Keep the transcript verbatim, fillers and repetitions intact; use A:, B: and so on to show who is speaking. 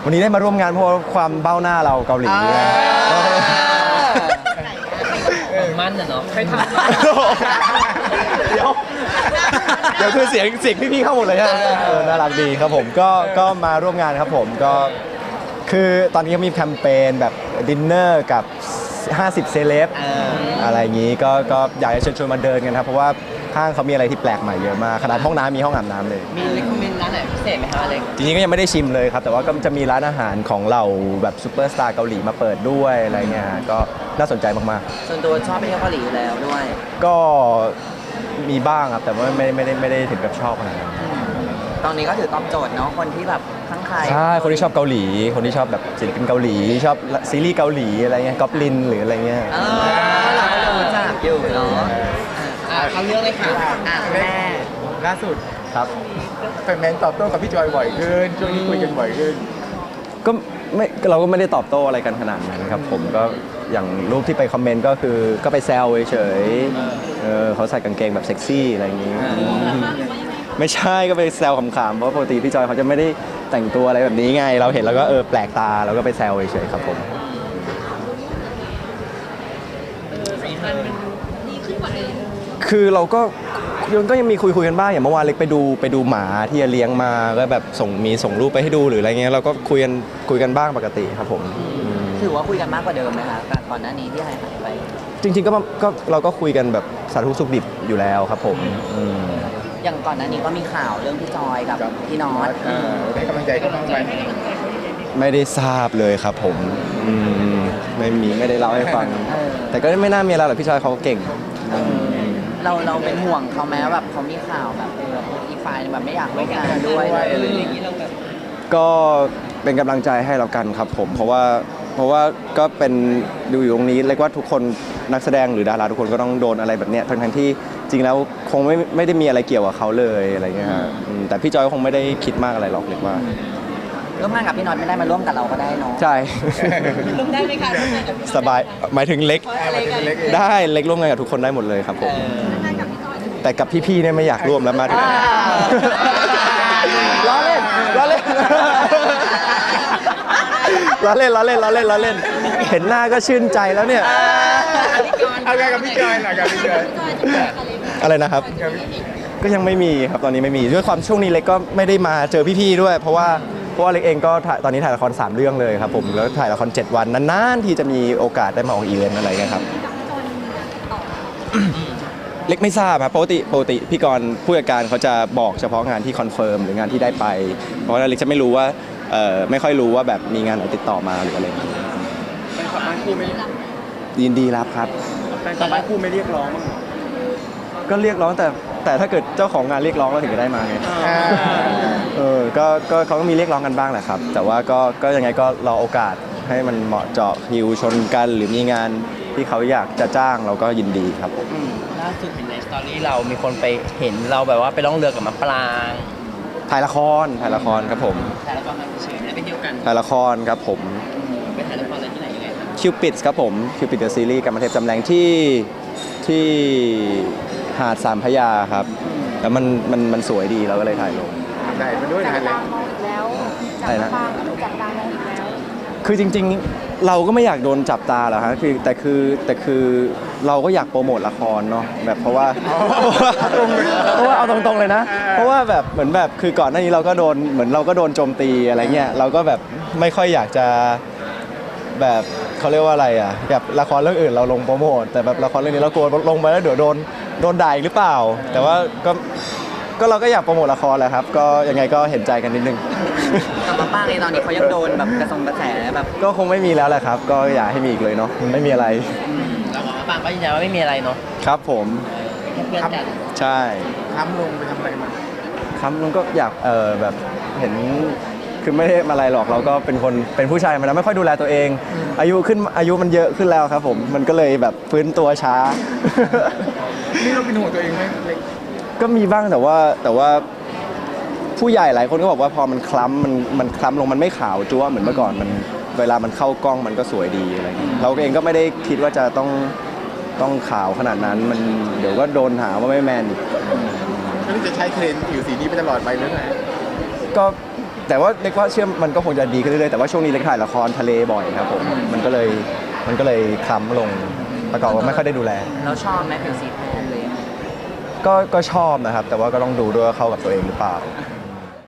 A: วันนี้ได้มาร่วมงานเพราะความเบ้าหน้าเราเกาหลีนะ
B: มันน่ะเนาะใครทำ
A: เดี๋ยวเดี๋ยวคือเสียงเสียงพี่ๆเข้าหมดเลยฮะเออน่ารักดีครับผมก็ก็มาร่วมงานครับผมก็คือตอนนี้ก็มีแคมเปญแบบดินเนอร์กับห้าสิบเซเลบอะไรอย่างนี้ก็ก็อยากจะเชิญชวนมาเดินกันครับเพราะว่าห้างเขามีอะไรที่แปลกใหม่เยอะมากขนาดห้องน้ำมีห้องอาบน้ำเลย
B: มีรีคอมเมนต์ร้านไหนพิเศษไหมคะอเล็ก
A: จริงๆก็ยังไม่ได้ชิมเลยครับแต่ว่าก็จะมีร้านอาหารของเราแบบซูเปอร์สตาร์เกาหลีมาเปิดด้วยอะไรเงี้ยก็น่าสนใจมากๆ
B: ส่วนตัวชอบไปเที่ยวเกาหลีอยู่แล้วด้วย
A: ก็มีบ้างครับแต่ว่าไม่ไม่ได้ไม่ได้ถึงกับชอบขนาดนั้น
B: ตอนนี้ก็ถือตอบโจทย์เนาะคนที่แบบทั้งใคร
A: ใช่คนที่ชอบเกาหลี คนที่ชอบแบบศิลปินเกาหลีชอบซีรีส์เกาหลีอะไรเงี้ยก๊อปลินหรืออะไรเงี้ย
B: เออเราก็รู้จักอยู่เนาะอ่ะเขาเลือกเลยค่ะอ่ะแม่
C: ล่าสุด
A: ครับ
C: แฟนๆตอบโต้กับพี่จอยบ่อยขึ้นช่วงนี้คุยกันบ่อยขึ้น
A: ก็ไม่เราก็ไม่ได้ตอบโต้อะไรกันขนาดนั้นครับผมก็อย่างรูปที่ไปคอมเมนต์ก็คือก็ไปแซวเฉยๆเออเขาใส่กางเกงแบบเซ็กซี่อะไรอย่างงี้ไม่ใช่ก็ไปแซวขำๆเพราะปกติพี่จอยเขาจะไม่ได้แต่งตัวอะไรแบบนี้ไง เราเห็นแล้วก็เออแปลกตาเราก็ไปแซวเฉยๆครับผม คือเราก็ยังก็ยังมีคุยคุยกันบ้างอย่างเมื่อวานเล็กไปดูไปดูหมาที่เลี้ยงมาก็แบบส่งมีส่งรูปไปให้ดูหรืออะไรเงี้ยเราก็คุยกันคุยกันบ้างปกติครับผมอืม
B: ถือว่าคุยกันมากกว่าเดิมไหมคะก่อนหน้านี้ที่หายหายไป
A: จริง ๆก็ก็เราก็คุยกันแบบสาธุสุขดิบอยู่แล้วครับผมอืม
B: อย่างก่อนหน้านี้ก็มีข่าวเรื่องพี่จอยกับพี่น็อต
C: เออได้กำลังใจเขาบ้างไหม
A: ไม่ได้ทราบเลยครับผมอืมไม่มีไม่ได้เล่าให้ฟัง
B: เออ
A: แต่ก็ไม่น่ามีอะไรหรอกพี่ชายเขาเก่ง
B: เราเราเป็นห่วงเขาไหมแบบเขามีข่าวแบบเอออีกฝ่ายแบบไม่อยากร่วมงานด้วยอะไรอย่างนี้เราแบบ
A: ก็เป็นกำลังใจให้เรากันครับผมเพราะว่าเพราะว่าก็เป็นดูอยู่ตรงนี้เรียกว่าทุกคนนักแสดงหรือดาราทุกคนก็ต้องโดนอะไรแบบเนี้ยทั้งทั้งที่จริงแล้วคงไม่ไม่ได้มีอะไรเกี่ยวกับเขาเลยอะไรเงี้ยฮะอืมแต่พี่จอยก็คงไม่ได้คิดมากอะไรหรอกเรียกว่า
B: ร่วมงานกับพี่น็อตไม่ได้มาร่วมกับเราก็ได้เนาะ
A: ใช่
B: ร่วมได้ไหมคะร่วมงานกับพี่
A: สบายหมายถึงเล็ก
B: อะไรกัน
C: เล็กๆ
A: ได้เล็กร่วมงานกับทุกคนได้หมดเลยครับผมแต่กับพี่ๆเนี่ยไม่อยากร่วมแล้วมาถึงล้อเล่นล้อเล่นล้อเล่นล้อเล่นล้อเล่นล้อเล่น เห็นหน้าก็ชื่นใจแล้วเนี่ย
C: เอาไงกับพี่จอยหน่อยกับพี่จอย
A: อะไรนะครับ ก็ยังไม่มีครับตอนนี้ไม่มีด้วยความช่วงนี้เล็กก็ไม่ได้มาเจอพี่ๆด้วย เพราะว่าเพราะว่าเล็กเองก็ถ่ายตอนนี้ถ่ายละครสามเรื่องเลยครับผมแล้วถ่ายละครเจ็ดวันนานๆที่จะมีโอกาสได้มาออกอีเวนต์อะไรเงี้ยครับ เล็กไม่ทราบครับปกติปกติพี่กรณ์ผู้จัดการเขาจะบอกเฉพาะงานที่คอนเฟิร์มหรืองานที่ได้ไป เพราะว่าเล็กจะไม่รู้ว่าเอ่อไม่ค่อยรู้ว่าแบบมีงานไหนติดต่อมาหรืออะไรอย่างเงี้ย
C: แฟนคลับบ้านคู่ไม่
A: ยินดีรับครับ
C: แฟนคลับบ้านคู่ไม่เรียกร้องมั้างเหรอ
A: ก็เรียกร้องแต่แต่ถ้าเกิดเจ้าของงานเรียกร้องเราถึงจะได้มาไง
C: อ่า
A: เออก็ก็เขาก็มีเรียกร้องกันบ้างแหละครับ แต่ว่าก็ก็ยังไงก็รอโอกาสให้มันเหมาะเจาะคิวชนกัน หรือมีงานที่เขาอยากจะจ้างเราก็ยินดีครับผม
B: ล่าสุดเห็นในสตอรี่เรามีคนไปเห็นเราแบบว่าไปล่องเรือกับมะปราง
A: ถ่ายละครถ่ายละครครับผม
B: ถ่ายละครมาเฉยๆไม่ได้ไปเที่ยวกัน
A: ถ่ายละครครับผม
B: ไปถ่ายละครอะไรที่ไหนยังไงครับ
A: คิวปิดครับผมคิวปิดเดอะซีรีส์กับมาเทพจำแรงที่ที่หาดสามพระยาครับแล้วมันมันมันสวยดีเราก็เลยถ่ายลง
C: ได้มาด้วยนะฮะเล็ก
D: แล้ว
A: อะไรนะ
D: จับตาก็ถูกจับตามองอีกแล้ว
A: คือจริงๆเราก็ไม่อยากโดนจับตาหรอกฮะคือแต่คือแต่คือเราก็อยากโปรโมทละครเนาะแบบเพราะว่า เพราะว่าเอาตรงๆเลยนะ เพราะว่าแบบเหมือนแบบคือก่อนหน้านี้เราก็โดนเหมือนเราก็โดนโจมตีอะไรเงี้ยเราก็แบบไม่ค่อยอยากจะแบบเขาเรียกว่าอะไรอ่ะแบบละครเรื่องอื่นเราลงโปรโมทแต่แบบละครเรื่องนี้เรากลัวลงไปแล้วเดี๋ยวโดนโดนด่าอีกหรือเปล่า แต่ว่าก็ก็เราก็อยากโปรโมทละครแหละครับก็ยังไงก็เห็นใจกันนิดนึง
B: กับมะปรางในตอนนี้เขายังโดนแบบกระทรงกระแสแบบ
A: ก็คงไม่มีแล้วแหละครับ ก็อย่าให้มีอีกเลยเนาะไม่มีอะไร
B: เรากับมะปรางก็ยืนยันว่าไม่มีอะไรเนาะ
A: ครับผม
B: แค่เพื่อนกัน
A: ใช่
C: ค้ำลงไปทำอะไรมา
A: ครับลุงก็อยากเออแบบเห็นคือไม่ได้มาอะไรหรอกเราก็เป็นคนเป็นผู้ชายมาแล้วไม่ค่อยดูแลตัวเอง อายุขึ้นอายุมันเยอะขึ้นแล้วครับผมมันก็เลยแบบฟื้นตัวช้า
C: นี่เราเป็นห่วงตัวเองไหมเล็ก
A: ก็มีบ้างแต่ว่าแต่ว่าผู้ใหญ่หลายคนก็บอกว่าพอมันคล้ำมันมันคล้ำลงมันไม่ขาวจั๊วเหมือนเมื่อก่อนมันเวลามันเข้ากล้องมันก็สวยดีอะไรอย่างเงี้ยเราเองก็ไม่ได้คิดว่าจะต้องต้องขาวขนาดนั้นมันเดี๋ยวก็โดนหาว่าไม่แมนอีก
C: แล้วนี่จะใช้เทรนด์ผิวสีนี้ไปตลอดไปหรือไง
A: ก็แต่ว่าเล็กว่าเชื่อมันก็คงจะดีขึ้นเรื่อยๆแต่ว่าช่วงนี้เล็กถ่ายละครทะเลบ่อยครับผมมันก็เลยมันก็เลยคล้ำลงประกอบว่าไม่ค่อยได้ดูแล
B: เราชอบไหมผิวสีแทนเลย
A: ก็ก็ชอบนะครับ แต่ว่าก็ต้องดูด้วยว่าเข้ากับตัวเองหรือเปล่า
B: อื